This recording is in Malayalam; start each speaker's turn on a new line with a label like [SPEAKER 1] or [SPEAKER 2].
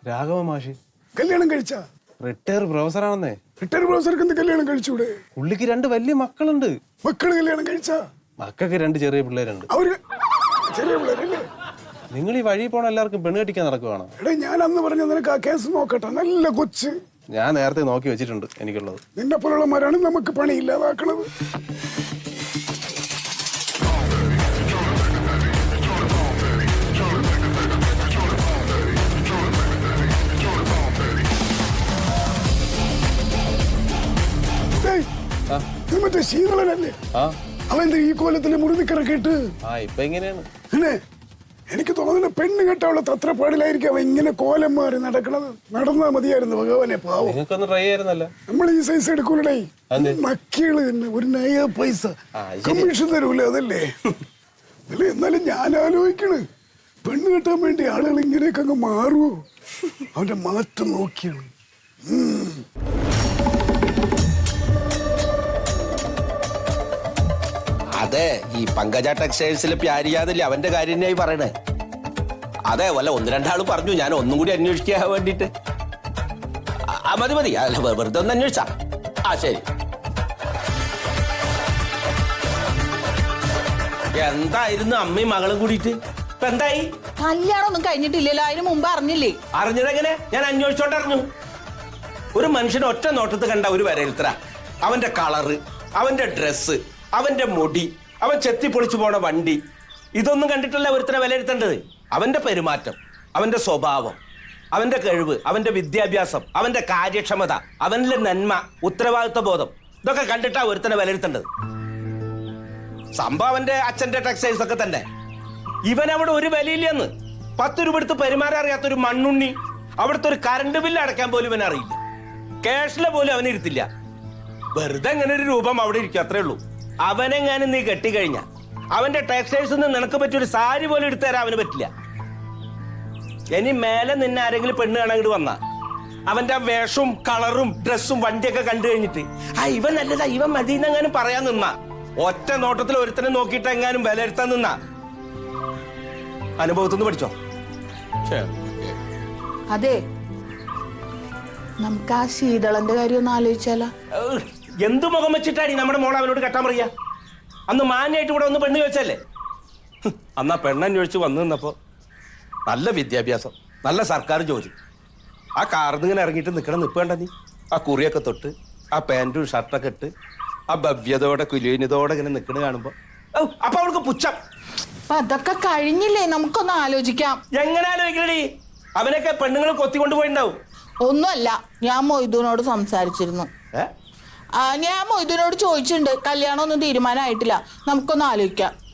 [SPEAKER 1] രാഘവ മാഷി.
[SPEAKER 2] കല്യാണം കഴിച്ച?
[SPEAKER 1] റിട്ടയർ പ്രൊഫസറാണെന്നേ.
[SPEAKER 2] റിട്ടയർ പ്രൊഫസർക്ക് എന്ത് കല്യാണം കഴിച്ചൂടെ?
[SPEAKER 1] പുള്ളിക്ക് 2 വലിയ മക്കളുണ്ട്.
[SPEAKER 2] മക്കള് കല്യാണം കഴിച്ച?
[SPEAKER 1] മക്കൾക്ക് 2 ചെറിയ പിള്ളേരുണ്ട്.
[SPEAKER 2] അവര് ചെറിയ പിള്ളേരല്ലേ?
[SPEAKER 1] നിങ്ങൾ ഈ വഴി പോണ എല്ലാവർക്കും പെണ്ണ് കെട്ടിക്കാൻ നടക്കുവാണ്.
[SPEAKER 2] എടാ ഞാൻ അന്ന് പറഞ്ഞ നിനക്ക് ആ കേസ് നോക്കട്ടെ. നല്ല കൊച്ച്
[SPEAKER 1] ഞാൻ നേരത്തെ നോക്കി വെച്ചിട്ടുണ്ട് എനിക്കുള്ളത്.
[SPEAKER 2] നിന്നെ പോലുള്ളമാരാണ് നമുക്ക് പണി ഇല്ലാതാക്കണത്. മറ്റേ ശീതളനല്ലേ അവന്റെ ഈ കോലത്തില് മുറിനിക്കിറക്കിട്ട്
[SPEAKER 1] ഇപ്പൊ എങ്ങനെയാണ്?
[SPEAKER 2] പിന്നെ എനിക്ക് തോന്നുന്നു പെണ്ണ് കെട്ടാനുള്ള തത്രപ്പാടിലായിരിക്കും അവൻ ഇങ്ങനെ കോലം മാറി നടക്കണത്. നടന്നാ മതിയായിരുന്നു ഭഗവാനെ. പാവം
[SPEAKER 1] ട്രൈ ആയിരുന്നല്ല.
[SPEAKER 2] നമ്മൾ ഈ സൈസ് എടുക്കൂലേ മക്കള് തന്നെ. ഒരു നയ പൈസ കമ്മീഷൻ തരൂലേ? അതല്ലേ അല്ലേ? എന്നാലും ഞാൻ ആലോചിക്കണ് പെണ്ണ് കെട്ടാൻ വേണ്ടി ആളുകൾ ഇങ്ങനെയൊക്കെ അങ്ങ് മാറുവോ? അവന്റെ മാറ്റം നോക്കിയാണ്.
[SPEAKER 3] അതെ, ഈ പങ്കജ ടെക്സ്റ്റൈൽസിൽ പ്യാരിയാതല്ലേ അവന്റെ കാര്യം തന്നെയായി പറയണേ. അതെ, വല്ല 1-2 ആള് പറഞ്ഞു. ഞാൻ ഒന്നും കൂടി അന്വേഷിക്കാൻ വേണ്ടിട്ട്. മതി മതി, അല്ല വെറുതെ ഒന്ന് അന്വേഷിച്ചാ. ശരി. എന്തായിരുന്നു അമ്മയും മകളും കൂടിയിട്ട്? ഇപ്പൊ എന്തായി?
[SPEAKER 4] കല്യാണം ഒന്നും കഴിഞ്ഞിട്ടില്ലല്ലോ. അതിന് മുമ്പ് അറിഞ്ഞില്ലേ?
[SPEAKER 3] അറിഞ്ഞതെങ്ങനെ? ഞാൻ അന്വേഷിച്ചോണ്ടറിഞ്ഞു. ഒരു മനുഷ്യനെ ഒറ്റ നോട്ടത്ത് കണ്ട ഒരു വരയിൽത്ര. അവന്റെ കളറ്, അവന്റെ ഡ്രസ്സ്, അവന്റെ മുടി, അവൻ ചെത്തിപ്പൊളിച്ചു പോണ വണ്ടി, ഇതൊന്നും കണ്ടിട്ടല്ല ഒരുത്തനെ വിലയിരുത്തേണ്ടത്. അവന്റെ പെരുമാറ്റം, അവന്റെ സ്വഭാവം, അവന്റെ കഴിവ്, അവന്റെ വിദ്യാഭ്യാസം, അവന്റെ കാര്യക്ഷമത, അവന്റെ നന്മ, ഉത്തരവാദിത്വ ബോധം, ഇതൊക്കെ കണ്ടിട്ടാ ഒരുത്തനെ വിലയിരുത്തേണ്ടത്. സംഭവം അവന്റെ അച്ഛന്റെ ടെക്സ്റ്റൈൽസ് ഒക്കെ തന്നെ. ഇവൻ അവിടെ ഒരു വിലയില്ലെന്ന്. 10 രൂപ എടുത്ത് പെരുമാറാൻ അറിയാത്തൊരു മണ്ണുണ്ണി. അവിടുത്തെ ഒരു കറണ്ട് ബില്ല് അടയ്ക്കാൻ പോലും ഇവൻ അറിയില്ല. ക്യാഷിലെ പോലും അവനിരുത്തില്ല. വെറുതെ ഇങ്ങനെ ഒരു രൂപം അവിടെ ഇരിക്കും, അത്രേ ഉള്ളൂ. അവനെങ്ങാനും നീ കെട്ടിക്കഴിഞ്ഞ അവന്റെ ടെക്സ്റ്റൈൽസ് നിനക്ക് പറ്റിയൊരു സാരി പോലും എടുത്തു തരാൻ അവന് പറ്റില്ല. ഇനി മേലെ നിന്നെ ആരെങ്കിലും പെണ്ണ് കാണാൻ വന്നാ അവന്റെ ആ വേഷവും കളറും ഡ്രസ്സും വണ്ടിയൊക്കെ കണ്ടു കഴിഞ്ഞിട്ട് ഇവൻ നല്ലതാ, ഇവൻ മതിയെന്നെങ്ങാനും പറയാൻ നിന്നാ, ഒറ്റ നോട്ടത്തിൽ ഒരുത്തനെ നോക്കിയിട്ട് എങ്ങാനും വിലയിരുത്താൻ നിന്നാ അനുഭവത്തിന്ന് പഠിച്ചോ.
[SPEAKER 4] അതെ, നമുക്ക് ആ ശീതളന്റെ കാര്യം ഒന്ന് ആലോചിച്ചാലോ?
[SPEAKER 3] എന്തു മുഖം വെച്ചിട്ടാണ് നമ്മുടെ മോൾ അവനോട് കെട്ടാൻ പറയാ? അന്ന് മാന്യായിട്ട് ഇവിടെ ഒന്ന് പെണ്ണ് ചോദിച്ചല്ലേ? അന്ന് ആ പെണ്ണന്വേഷിച്ച് വന്നു നിന്നപ്പോ നല്ല വിദ്യാഭ്യാസം, നല്ല സർക്കാർ ജോലി, ആ കാർന്ന് ഇങ്ങനെ ഇറങ്ങിയിട്ട് നിൽക്കണം നിൽപ്പേണ്ട നീ. ആ കുറിയൊക്കെ തൊട്ട്, ആ പാൻറ്റും ഷർട്ടൊക്കെ ഇട്ട്, ആ ഭവ്യതയോടെ കുലീനതയോടെ ഇങ്ങനെ നിൽക്കണ കാണുമ്പോ അപ്പൊ അവൾക്ക് പുച്ഛം.
[SPEAKER 4] അതൊക്കെ കഴിഞ്ഞില്ലേ? നമുക്കൊന്ന് ആലോചിക്കാം.
[SPEAKER 3] എങ്ങനെ ആലോചിക്കണേ? അവനൊക്കെ പെണ്ണുങ്ങൾ കൊത്തിക്കൊണ്ടുപോയിണ്ടാവും.
[SPEAKER 4] ഒന്നുമല്ല, ഞാൻ മൊയ്തുവിനോട് സംസാരിച്ചിരുന്നു. ഞാൻ മൊയ്തുവിനോട് ചോദിച്ചിട്ടുണ്ട്. കല്യാണം ഒന്നും തീരുമാനമായിട്ടില്ല, നമുക്കൊന്ന് ആലോചിക്കാം.